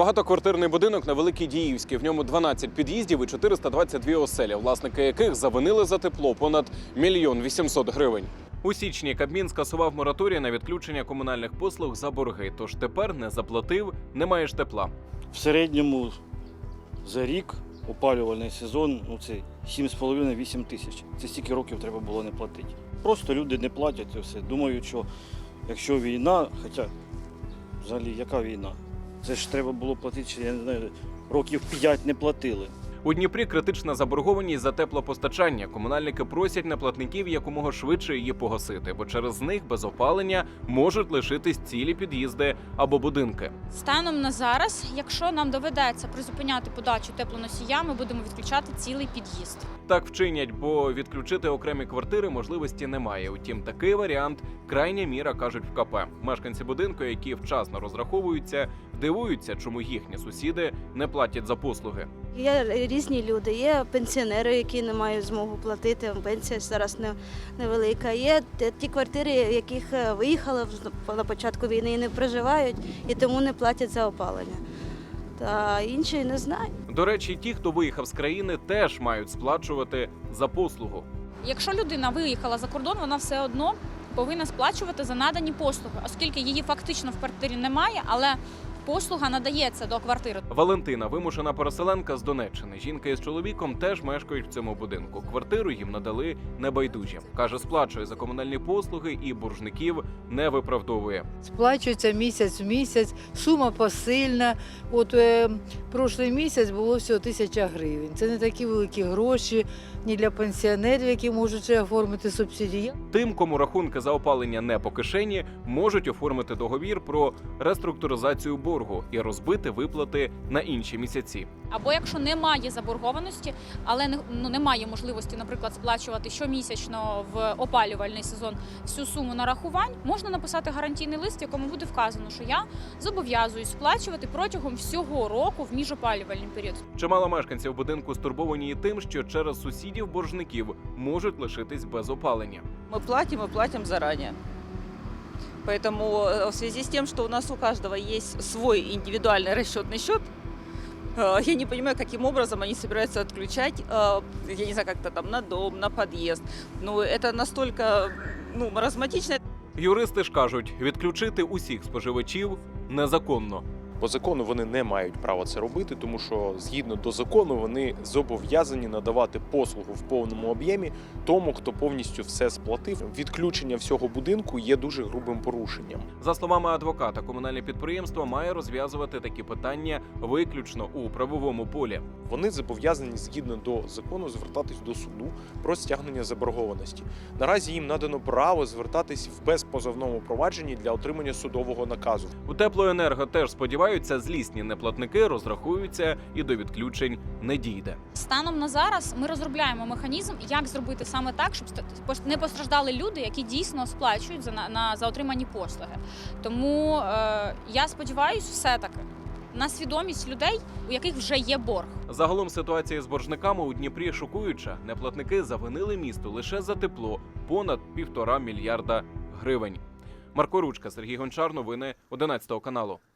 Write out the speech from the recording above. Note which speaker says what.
Speaker 1: Багатоквартирний будинок на Великій Діївській. В ньому 12 під'їздів і 422 оселі, власники яких завинили за тепло понад 1 800 000 гривень. У січні Кабмін скасував мораторій на відключення комунальних послуг за борги. Тож тепер не заплатив, не маєш тепла.
Speaker 2: В середньому за рік опалювальний сезон це 7,5-8 тисяч. Це стільки років треба було не платити. Просто люди не платять і все. Думають, що якщо війна, хоча взагалі яка війна? Це ж треба було платити, я не знаю, років 5 не платили.
Speaker 1: У Дніпрі критична заборгованість за теплопостачання. Комунальники просять неплатників якомога швидше її погасити, бо через них без опалення можуть лишитись цілі під'їзди або будинки.
Speaker 3: Станом на зараз, якщо нам доведеться призупиняти подачу теплоносія, ми будемо відключати цілий під'їзд.
Speaker 1: Так вчинять, бо відключити окремі квартири можливості немає. Утім, такий варіант – крайня міра, кажуть в КП. Мешканці будинку, які вчасно розраховуються, дивуються, чому їхні сусіди не платять за послуги.
Speaker 4: Є різні люди, є пенсіонери, які не мають змогу платити, пенсія зараз невелика. Є ті квартири, яких виїхали на початку війни і не проживають, і тому не платять за опалення. Та інші не знаю.
Speaker 1: До речі, ті, хто виїхав з країни, теж мають сплачувати за послугу.
Speaker 3: Якщо людина виїхала за кордон, вона все одно повинна сплачувати за надані послуги, оскільки її фактично в квартирі немає, але послуга надається до квартири.
Speaker 1: Валентина – вимушена переселенка з Донеччини. Жінка із чоловіком теж мешкають в цьому будинку. Квартиру їм надали небайдужі. Каже, сплачує за комунальні послуги і боржників не виправдовує.
Speaker 5: Сплачується місяць в місяць, сума посильна. Прошлий місяць було всього 1000 гривень. Це не такі великі гроші ні для пенсіонерів, які можуть оформити субсидії.
Speaker 1: Тим, кому рахунки за опалення не по кишені, можуть оформити договір про реструктуризацію боргу і розбити виплати на інші місяці.
Speaker 3: Або якщо немає заборгованості, але немає можливості, наприклад, сплачувати щомісячно в опалювальний сезон всю суму нарахувань, можна написати гарантійний лист, в якому буде вказано, що я зобов'язуюсь сплачувати протягом всього року в міжопалювальний період.
Speaker 1: Чимало мешканців будинку стурбовані і тим, що через сусідів-боржників можуть лишитись без опалення.
Speaker 6: Мы платим заранее. Поэтому в связи с тем, что у нас у каждого есть свой индивидуальный расчетный счет, я не понимаю, каким образом они собираются отключать, я не знаю, как-то там на дом, на подъезд. Но это настолько маразматично.
Speaker 1: Юристи ж кажуть, відключити усіх споживачів незаконно.
Speaker 7: По закону вони не мають права це робити, тому що згідно до закону вони зобов'язані надавати послугу в повному об'ємі тому, хто повністю все сплатив. Відключення всього будинку є дуже грубим порушенням.
Speaker 1: За словами адвоката, комунальне підприємство має розв'язувати такі питання виключно у правовому полі.
Speaker 7: Вони зобов'язані згідно до закону звертатись до суду про стягнення заборгованості. Наразі їм надано право звертатись в безпозовному провадженні для отримання судового наказу.
Speaker 1: У Теплоенерго теж сподіваються, злісні неплатники розрахуються і до відключень не дійде.
Speaker 3: Станом на зараз ми розробляємо механізм, як зробити саме так, щоб не постраждали люди, які дійсно сплачують за отримані послуги. Тому я сподіваюся все-таки на свідомість людей, у яких вже є борг.
Speaker 1: Загалом ситуація з боржниками у Дніпрі шокуюча. Неплатники завинили місту лише за тепло понад 1,5 мільярда гривень. Марко Ручка, Сергій Гончар, новини 11 каналу.